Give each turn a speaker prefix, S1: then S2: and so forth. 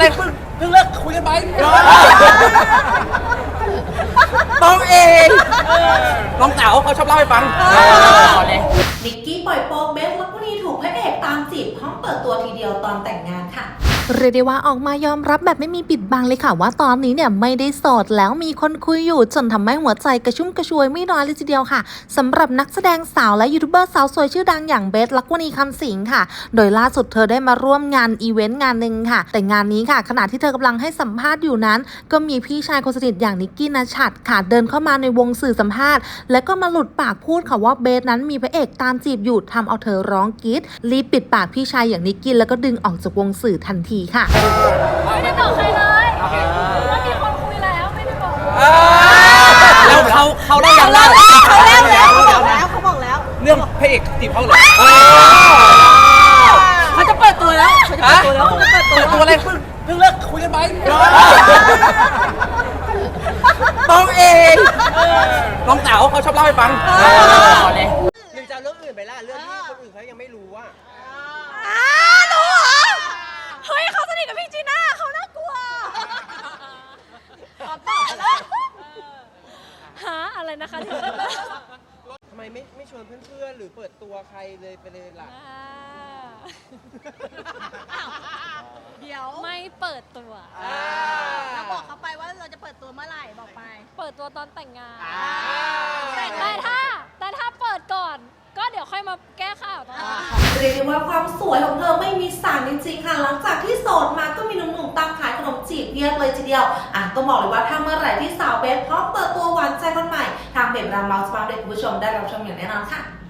S1: เลิกคุยกันไหมต้องเองน้องสาวเขาชอบเล่าให้ฟัง
S2: นิกกี้ปล่อยโป๊กเบสลักวนีถูกพระเอกตามจีบพร้อมเปิดตัวทีเดียวตอนแต่งงานค่ะ
S3: เรียกได้ว่าออกมายอมรับแบบไม่มีปิดบังเลยค่ะว่าตอนนี้เนี่ยไม่ได้โสดแล้วมีคนคุยอยู่จนทำให้หัวใจกระชุ่มกระชวยไม่น้อยเลยทีเดียวค่ะสำหรับนักแสดงสาวและยูทูบเบอร์สาวสวยชื่อดังอย่างเบสลักวณีคำสิงค่ะโดยล่าสุดเธอได้มาร่วมงานอีเวนต์งานหนึ่งค่ะแต่งานนี้ค่ะขณะที่เธอกำลังให้สัมภาษณ์อยู่นั้นก็มีพี่ชายคนสนิทอย่างนิกกี้ณชัดค่ะเดินเข้ามาในวงสื่อสัมภาษณ์และก็มาหลุดปากพูดค่ะว่าเบสนั้นมีพระเอกตามจีบอยู่ทำเอาเธอร้องกรี๊ดรีบปิดปากพี่ชายอย่างนิกกี้แล้วก็ดึงออกจากวงสื่อทันทีค่ะ
S4: ไม่ได้บอกใครเลยว่ามีคนคุยแล้วไม่ได้บอก
S1: แล้วเขาเล่ายังเขา
S2: บอกแล้ว
S1: เรื่องพระเอกจีบเขาเหรอ
S2: เขาจะเปิดตัวแล้ว
S1: เปิดตัวอะไรเพิ่งเลิกคุยกันไหมต้องเองน้องสาวเขาชอบเล่าให้ฟัง
S5: หรือจะเรื่องอื่นไปล่ะเรื่องที่คนอื่นเขายังไม่รู้ว่า
S4: รู้เหรอเฮ้ยเขาสนิทกับพี่จีน่าเขาน่ากลัวตอบแล้วหาอะไรนะคะ
S5: ทำไมไม่ชวนเพื่อนๆหรือเปิดตัวใครเลยไปเลยล่ะ
S4: เดี๋ยวไม่เปิดตัว
S2: เราบอกเขาไปว่าเราจะเปิดตัวเมื่อไหร่บอกไป
S4: เปิดตัวตอนแต่งงานแต่ถ้าเปิดก่อนก็เดี๋ยวค่อยมาแก้ข่าวตอนนั้น
S2: เรียกได้ว่าความสวยของเธอไม่มีสารจริงๆค่ะหลังจากที่โสดมาก็มีหนุ่มๆตามขายขนมจีบเพียบเลยทีเดียวต้องบอกเลยว่าถ้าเมื่อไหร่ที่สาวเบสพร้อมเปิดตัวหวานใจคนใหม่ทางเพจเราเมาส์มาเด็กคุณผู้ชมได้รับชมอย่างแน่นอนค่ะ